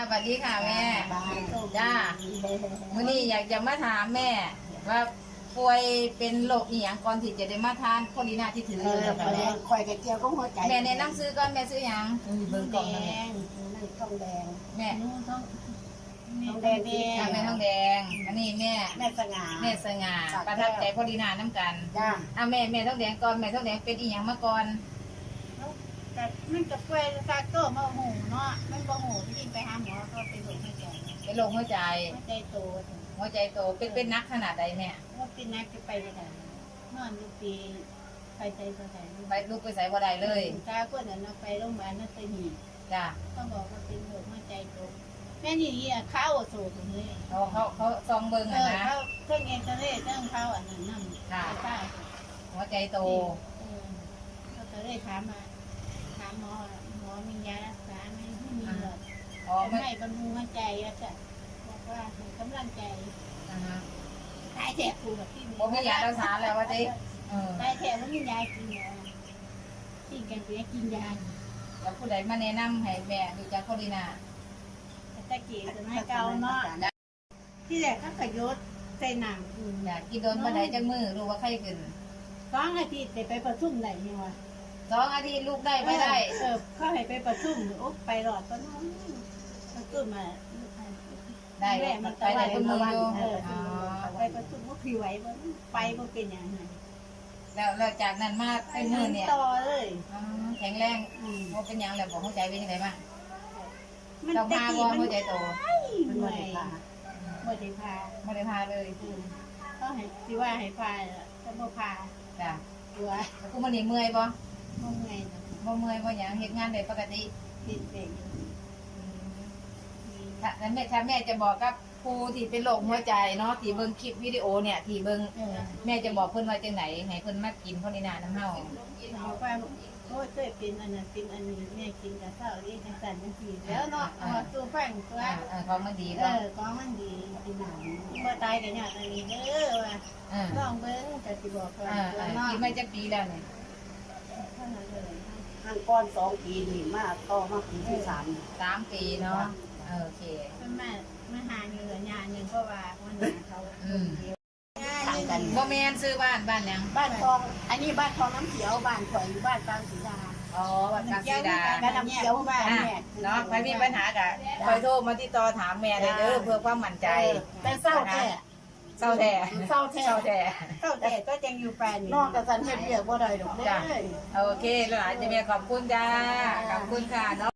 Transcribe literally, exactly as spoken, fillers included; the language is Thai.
สวัสดีค่ะแม่จ้าวันนี้อยากจะมาถามแม่ว่าป่วยเป็นโรคอีหยังก่อนที่จะได้มาทานโคลีนาที่ถืออยู่แบบนี้คอยกระเจียวก็หัวใจแม่แนะนำซื้อก่อนแม่ซื้อหยังเบิ่งกล่องนั่นแม่นั่นทองแดงแม่ทองแดงแดงแม่ทองแดงอันนี้แม่แม่สง่าแม่สง่าประทับใจโคลีนาน้ำกันจ้าอ่ะแม่แม่ทองแดงก่อนแม่ทองแดงเป็นอีหยังมาก่อนแต่มันจะป่วยซากโตมาหูเนาะมันบ่หูที่ไปหาหมอก็เป็นโรคหัวใจเป็นโรคหัวใจหัวใจโตหัวใจโตเป็นเป็นนักขนาดใดแม่ว่าเป็นนักจะไปได้ไงนอนอยู่ปีไปใจตัวไหนไปลูกไปใส่บ่ได้เลยตาคนนั้นไปโรงพยาบาลนั่นไปหีจ้าต้องบอกว่าเป็นโรคหัวใจโตแม่นี่อ่ะข้าวโซ่ตรงนี้เขาเขาเขาซองเบิ่งเออ่ะอนะเขาเครื่องเอ็กซเรย์เครื่องเขาอันนั้นนั่นป้าหัวใจโตเออเขาก็เลยถามมาถามหมอหมอมียารักษาไหมไม่มีหรอกอ๋อไม่ให้บำรุงหัวใจอ่ะจ้ะบอกว่าให้กำลังใจอ่าฮะตายแถบกูแบบที่บ่มียารักษาแล้วว่าติเออตายแถบว่ามียากินเหรอที่กันเสียกินยาแล้วผู้ใดมาแนะนำให้แม่ดูจักโคลีนาตะกี้สมัยเก่าเนาะที่แรกก็ขยศใส่หนังอืมอยากกินโดนบ่ได้จักมือรู้ว่าไข้ขึ้นสองอาทิตย์ได้ไปประชุมไหนเนี่ยวะสองอาทิตย์ลูกได้ไม่ได้เออเขาให้ไปประชุมโอ้ไปหลอดก็น้องประชุมมาได้แม่มันไปตะได้วันคนมืออยู่เอออ๋อไปประชุมว่าผิวไหวบ่ไปบ่เป็นอย่างนั้นแล้วแล้วจากนั้นมาไปเป็นมือเนี่ยต่อเลยอ๋อแข็งแรงอืมบ่เป็นหยังแล้วบ่หัวใจเป็นจังไดบ้างมันเราตะพากี้บ่มันหัวใจโตมันบ่ได้พาบ่ได้พาบ่ได้พาเลยอืมเขาให้สิว่าให้พาแต่บ่พาจ้ะตัวแล้วกูมื้อนี้เมื่อยบ่บ่เมื่อยนะบ่เมื่อยบ่หยังเฮ็ดงานได้ปกติติดเด็กถ้าแล้วแม่ถ้าแม่จะบอกกับผู้ที่เป็นโรคหัวใจเนาะที่เบิ่งคลิปวิดีโอเนี่ยที่เบิ่งเออแม่จะบอกเพิ่นว่าจังไหนให้เพิ่นมากินโคลีนาน้ำเฮาบอกว่าโอ้ยเคยเป็นอันนั้นเป็นอันนี้แม่กินกับข้าวนี่จังซั่นจังซี่แล้วเนาะเอามาตัวแป้งตัวอ่าเออของมันดีเอเนาะอของมันดีดีหนังบ่ตายกันเนี่ยอันนี้เด้อว่าเออลองเบิ่งจะสิบอกว่าอ่าตัวอ่าเนาะกินมาจักปีแล้วเนี่ยเท่านั้นเลยทางก้อนสองปีนี่มาต่อมาปีที่สามสามปีเนาะเออโอเคเพิ่นมามาหาเหงื่อยาหนึงเพราะว่าวันนี้เขาอืมทางกันบ่แม่นซื้อบ้านบ้านหยังบ้านทองอันนี้บ้านทองน้ำเขียวบ้านข่อยอยู่บ้านกลางศรีดาอ๋อบ้านกลางสีดาบ้านน้ำเขียวบ้านอ่ะแม่เนาะใครมีปัญหากะคอยโทรมาติดต่อถามแม่ได้เด้อเพื่อความมั่นใจแต่เศร้าแท้เศร้าแท้เศร้าแท้เศร้าแท้เข้าแต่ก็ยังอยู่แปลนนอกจากสันเฮ็ดเรียกบ่ได้ดอกเด้จ้ะอโอเคแล้วหลานจะแม่ขอบคุณจ้าขอบคุณค่ะเนาะ